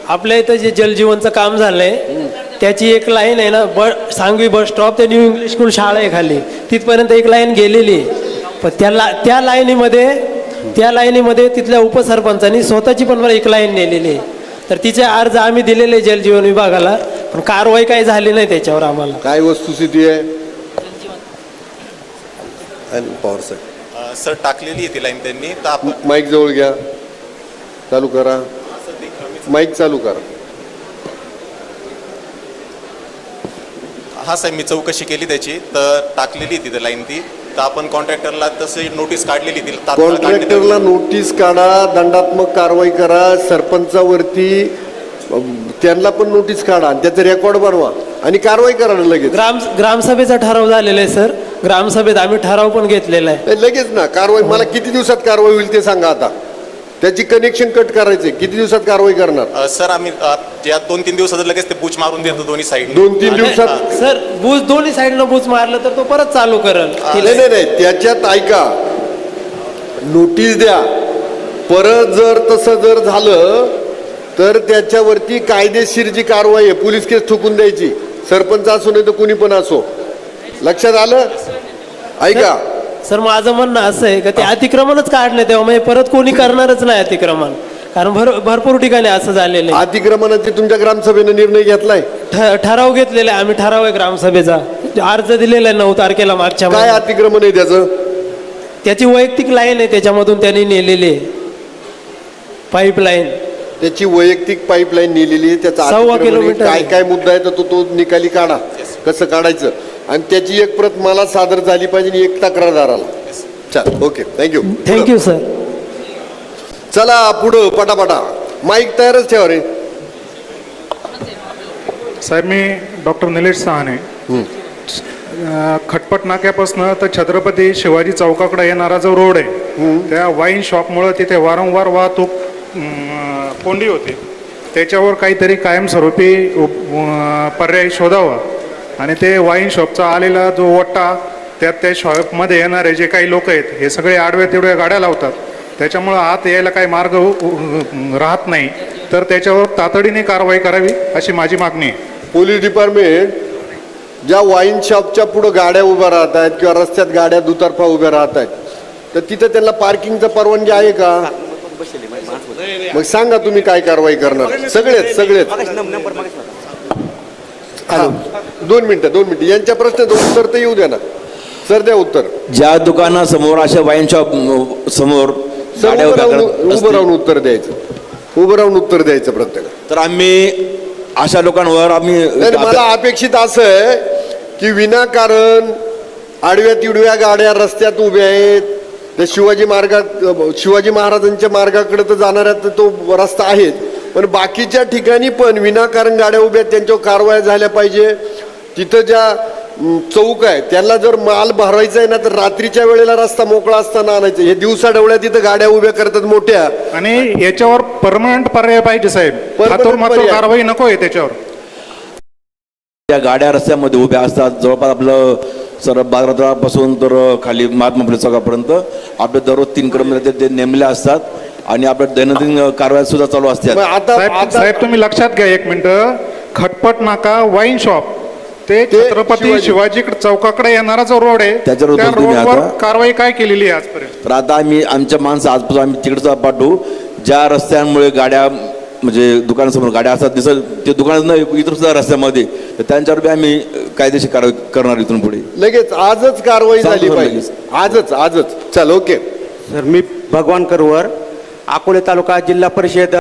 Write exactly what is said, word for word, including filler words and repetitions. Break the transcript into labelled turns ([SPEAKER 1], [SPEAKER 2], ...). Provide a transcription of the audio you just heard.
[SPEAKER 1] आपल्या इथं जे जलजीवनचं काम झालंय त्याची एक लाईन आहे ना, ब सांगवी बस स्टॉप ते न्यू इंग्लिश स्कूल शाळा आहे खाली, तिथपर्यंत एक लाईन गेलेली आहे. पण त्या ला त्या लाईनीमध्ये त्या लाईनीमध्ये तिथल्या उपसरपंचांनी स्वतःची पण एक लाईन नेलेली आहे. तर तिचे अर्ज आम्ही दिलेले जलजीवन विभागाला, पण कारवाई काही झाली नाही त्याच्यावर. आम्हाला
[SPEAKER 2] काय वस्तुस्थिती आहे? पॉवर सर
[SPEAKER 3] सर टाकलेली आहे ती लाईन त्यांनी. तर आपण
[SPEAKER 2] माईक जवळ घ्या, चालू करा, माईक चालू करा.
[SPEAKER 3] हा साहेब, मी चौकशी केली त्याची, तर टाकलेली तिथे लाईन ती. तर आपण कॉन्ट्रॅक्टरला तशी नोटीस काढलेली ती.
[SPEAKER 2] कॉन्ट्रॅक्टरला नोटीस काढा, दंडात्मक कारवाई करा, सरपंचावरती त्यांना पण नोटीस काढा आणि त्याचं रेकॉर्ड बनवा आणि कारवाई करा लगेच.
[SPEAKER 1] ग्राम ग्रामसभेचा ठराव झालेला आहे सर, ग्रामसभेत आम्ही ठराव पण घेतलेला आहे.
[SPEAKER 2] लगेच ना कारवाई. मला किती दिवसात कारवाई होईल ते सांगा आता. त्याची कनेक्शन कट करायचे, किती दिवसात कारवाई करणार?
[SPEAKER 3] सर आम्ही या दोन तीन दिवसात लगेच ते बूच मारून देतो दोन्ही साईड.
[SPEAKER 2] दोन तीन दिवसात
[SPEAKER 1] सर बूज दोन्ही साईडनं बूज मारलं तर तो परत चालू करेल.
[SPEAKER 2] नाही नाही नाही, त्याच्यात ऐका, नोटीस द्या. परत जर तसं जर झालं तर त्याच्यावरती कायदेशीर जी कारवाई आहे, पोलीस केस ठोकून द्यायची, सरपंच असो नाही तर कुणी पण असो. लक्षात आलं? ऐका
[SPEAKER 1] सर, माझं म्हणणं असं आहे का ते अतिक्रमणच काढणे तेव्हा म्हणजे परत कोणी करणारच नाही अतिक्रमण, कारण भर भरपूर ठिकाणी असं झालेलं आहे.
[SPEAKER 2] अतिक्रमणाचे तुमच्या ग्रामसभेनं निर्णय घेतलाय?
[SPEAKER 1] ठराव घेतलेला आहे आम्ही, ठराव आहे ग्रामसभेचा, अर्ज दिलेला आहे नऊ तारखेला मागच्या.
[SPEAKER 2] काय अतिक्रमण आहे त्याचं?
[SPEAKER 1] त्याची वैयक्तिक लाईन आहे, त्याच्यामधून त्यांनी नेलेली आहे पाईपलाईन.
[SPEAKER 2] त्याची वैयक्तिक पाईपलाईन नेलेली आहे. त्याचा
[SPEAKER 1] सव्वा किलोमीटर
[SPEAKER 2] काय काय मुद्दा आहे तर तो तो निकाली काढा, कसं काढायचं, आणि त्याची एक प्रत मला सादर झाली पाहिजे आणि एक तक्रारदाराला. चल, ओके, थँक्यू
[SPEAKER 1] थँक्यू सर.
[SPEAKER 2] चला पुढं पटापटा. माईक तयारच ठेवा रे
[SPEAKER 4] साहेब. मी डॉक्टर निलेश सहाने. खटपट नाक्यापासून तर छत्रपती शिवाजी चौकाकडे येणारा जो रोड आहे, त्या वाईन शॉपमुळं तिथे वारंवार वाहतूक कोंडी होते. त्याच्यावर काहीतरी कायमस्वरूपी पर्याय शोधावा आणि ते वाईन शॉपचा आलेला जो वट्टा, त्यात त्या शॉपमध्ये येणारे जे काही लोक आहेत हे सगळे आडव्या तिडव्या गाड्या लावतात. त्याच्यामुळं आत यायला काही मार्ग राहत नाही. तर त्याच्यावर तातडीने कारवाई करावी अशी माझी मागणी आहे.
[SPEAKER 2] पोलीस डिपार्टमेंट ज्या वाईन शॉपच्या पुढं गाड्या उभ्या राहत आहेत किंवा रस्त्यात गाड्या दुतर्फा उभ्या राहत आहेत, तर तिथं त्यांना पार्किंगचं परवानगी आहे का? मग सांगा तुम्ही काय कारवाई करणार? सगळेच सगळेच दोन मिनिटं दोन मिनिटं यांच्या प्रश्नाचं उत्तर तर येऊ द्या ना सर. द्या उत्तर.
[SPEAKER 5] ज्या दुकानासमोर अशा वाईन शॉप समोर
[SPEAKER 2] उभं राहून उत्तर द्यायचं, उभं राहून उत्तर द्यायचं प्रत्येक.
[SPEAKER 5] तर आम्ही अशा लोकांवर आम्ही
[SPEAKER 2] मला अपेक्षित असं आहे की विनाकारण आडव्या तिडव्या गाड्या रस्त्यात उभ्या आहेत, त्या शिवाजी मार्गात शिवाजी महाराजांच्या मार्गाकडे तर जाणाऱ्या तो रस्ता आहेच, पण बाकीच्या ठिकाणी पण विनाकारण गाड्या उभ्या आहेत, त्यांच्यावर कारवाया झाल्या पाहिजे. तिथं ज्या चौक आहे त्यांना जर माल भरायचा आहे ना तर रात्रीच्या वेळेला रस्ता मोकळा असताना आणायचं. हे दिवसा डवळ्या तिथं गाड्या उभ्या करतात मोठ्या,
[SPEAKER 4] आणि याच्यावर परमनंट पर्याय पाहिजे साहेब. कारवाई नको आहे त्याच्यावर.
[SPEAKER 5] त्या गाड्या रस्त्यामध्ये उभ्या असतात, जवळपास आपलं सर बाजारापासून तर खाली महात्मा फुले चौकापर्यंत आपले दररोज तीन कर्मचारी ते नेमले असतात आणि आपल्या दैनंदिन कारवाया सुद्धा चालू असतात.
[SPEAKER 4] आता साहेब तुम्ही लक्षात घ्या एक मिनिट. खटपट नाका वाईन शॉप ते छत्रपती शिवाजी चौकाकडे येणारा जो रोड आहे
[SPEAKER 5] त्याच्यावर
[SPEAKER 4] त्या रोडवर कारवाई काय केलेली आहे आजपर्यंत?
[SPEAKER 5] तर आता आम्ही आमच्या माणसं आजपासून आम्ही तिकडचा पाठवू. ज्या रस्त्यांमुळे गाड्या म्हणजे दुकानासमोर गाड्या असतात दिसत, ते दुकान इतर सुद्धा रस्त्यामध्ये, तर त्यांच्यावर बी आम्ही कायदेशीर कारवाई करणार इथून पुढे.
[SPEAKER 2] लगेच आजच कारवाई झाली पाहिजे, आजच आजच. चल, ओके
[SPEAKER 6] सर. मी भगवान करवर, अकोले तालुका, जिल्हा परिषद